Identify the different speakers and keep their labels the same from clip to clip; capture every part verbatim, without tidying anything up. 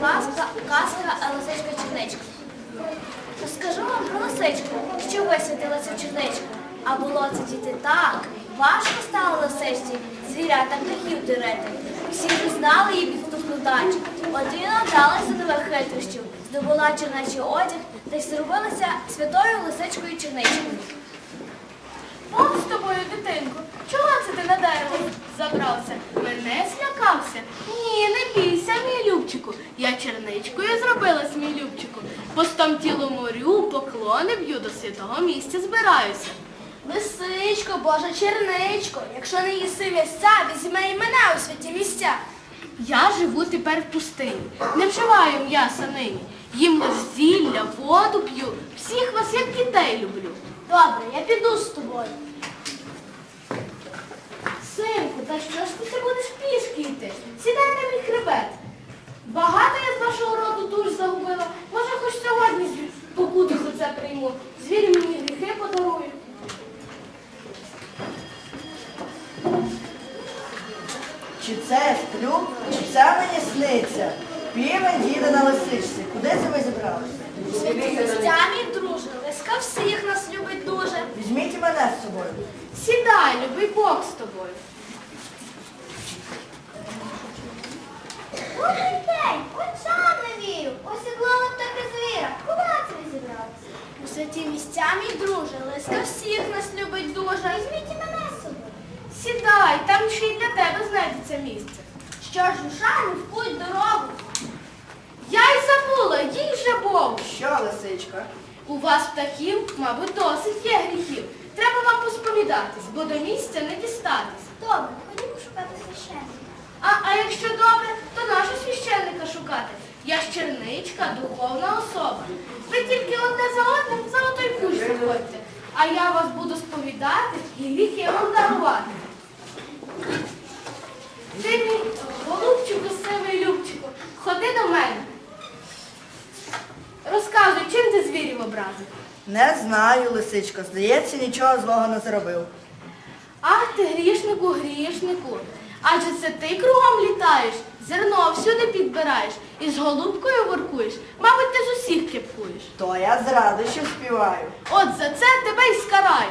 Speaker 1: казка, казка Лисичка Черничка. Розкажу вам про лисичку, що висвітилася в черничку. А було це діти так. Важко стало лисичці звірята птахів дирити. Всі пізнали її підступну дачу. Одина вдалася до нових хитрощів, здобула чернечий одяг та й зробилася святою лисичкою Черничкою.
Speaker 2: Бог з тобою, дитинко, чого це ти на дерево забрався? Мене злякався? Ні, не бійся, мій любчику. Я черничкою зробилась, мій любчику. Постом тілу морю, поклони б'ю, до святого місця збираюся.
Speaker 1: Лисичко, Божа черничко, якщо не їси місця, візьми і мене у святі місця.
Speaker 2: Я живу тепер в пустині, не вживаю м'яса нині. Їм лиш зілля, воду п'ю, всіх вас як дітей люблю.
Speaker 1: Добре, я піду з тобою.
Speaker 2: Синку, та що ж ти це будеш пішки йти? Сідай на мій хребет. Багато я з вашого роду душ загубила. Може, хоч сьогодні покуту за це прийму. Звірі мені гріхи подарують.
Speaker 3: Чи це я сплю, чи це мені сниться? Півень їде на лисичці. Куди це ви зібралися?
Speaker 1: Святі місця, мій друже, лиска всіх нас любить дуже.
Speaker 3: Візьміть і мене з собою.
Speaker 2: Сідай, любий Бог з тобою.
Speaker 1: Добрий день, очам не вірю. Ось і глава птахи звіра. Куди це ви зібралися? У святі місця, мій друже, лиска всіх нас любить дуже. Візьміть і мене з собою.
Speaker 2: Сідай, там ще й для тебе знайдеться місце.
Speaker 1: Що ж, рушаємо в путь дорогу.
Speaker 2: Я й забула, їй вже Богу.
Speaker 3: Що, лисичка?
Speaker 2: У вас птахів, мабуть, досить є гріхів. Треба вам посповідатись, бо до місця не дістатись.
Speaker 1: Добре, ходімо шукати священника.
Speaker 2: А, а якщо добре, то нашого священника шукати. Я ж черничка, духовна особа. Ви тільки одне за одним за отой кущ заходьте, а я вас буду сповідати і гріхи вам дарувати. Ти мій голубчику, сивий любчику, ходи до мене. Розказуй, чим ти звірів образив?
Speaker 3: Не знаю, лисичко. Здається, нічого злого не зробив.
Speaker 2: Ах ти, грішнику, грішнику, адже це ти кругом літаєш, зерно всюди підбираєш і з голубкою воркуєш. Мабуть, ти з усіх кепкуєш.
Speaker 3: То я з радощів співаю.
Speaker 2: От за це тебе й скараю.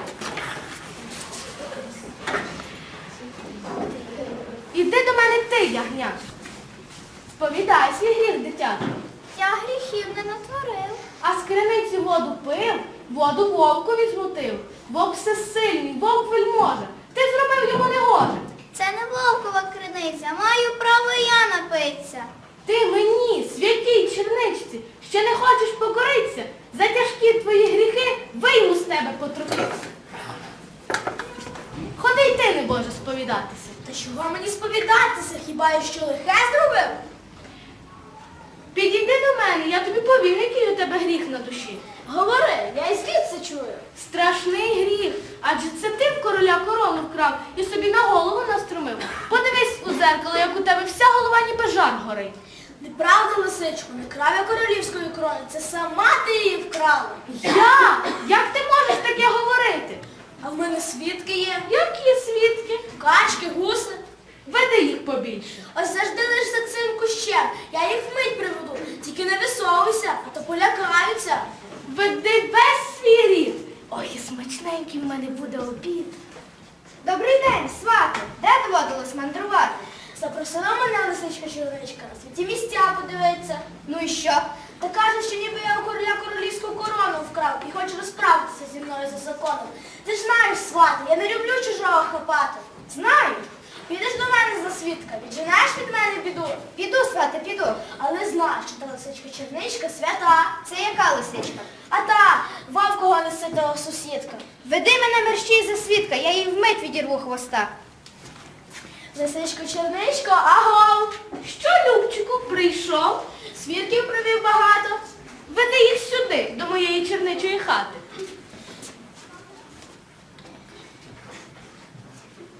Speaker 2: Іди до мене ти, ягнят. Сповідай свій гріх, дитятко.
Speaker 1: Я гріхів не натворив.
Speaker 2: А з криниці воду пив, воду вовкові змутив. Вовк всесильний, вовк вельможа. Ти зробив йому негоже.
Speaker 1: Це не вовкова криниця, маю право і я напитися.
Speaker 2: Ти мені, святій черничці, ще не хочеш покоритися? За тяжкі твої гріхи вийму з тебе потрохи. Ходи й ти, небоже, сповідатися.
Speaker 1: Та чого мені сповідатися, хіба я що лихе зробив?
Speaker 2: Підійди до мене, я тобі повім, який у тебе гріх на душі.
Speaker 1: Говори, я і звідси чую.
Speaker 2: Страшний гріх, адже це ти в короля корону вкрав і собі на голову наструмив. Подивись у зеркало, як у тебе вся голова ніби жар горить.
Speaker 1: Неправда, лисичку, не крав я королівської корони, це сама ти її вкрала.
Speaker 2: Я? Як ти можеш таке говорити?
Speaker 1: А в мене свідки є.
Speaker 2: Які свідки?
Speaker 1: Качки, гуси.
Speaker 2: Веди їх побільше.
Speaker 1: Ось завжди лиш за цим кущем. Я їх вмить приведу. Тільки не висовуйся, а то полякаються.
Speaker 2: Веди весь свій рід. Ой, і смачненький в мене буде обід.
Speaker 1: Добрий день, свати. Де доводилось мандрувати? Запросила мене лисичка Черничка на святі місця подивитися. Ну і що? Та каже, що ніби я у короля королівську корону вкрав і хоче розправитися зі мною за законом. Ти ж знаєш, свати, я не люблю чужого хапати. Знаю. Підеш до мене за свідка, відженеш від мене біду. Піду, свати, піду. Але знай, що та лисичка Черничка свята. Це яка лисичка? А та, вовкого неситого сусідка.
Speaker 4: Веди мене мерщій за свідка, я їй вмить відірву хвоста.
Speaker 1: Лисичко Черничко, агов!
Speaker 2: Що, Любчику, прийшов?
Speaker 1: Свідків привів багато.
Speaker 2: Веди їх сюди, до моєї черничої хати.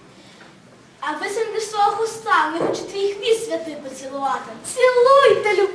Speaker 1: А висунь свого хуста, не хочу твій хвіст святий поцілувати.
Speaker 2: Цілуйте, Любчику.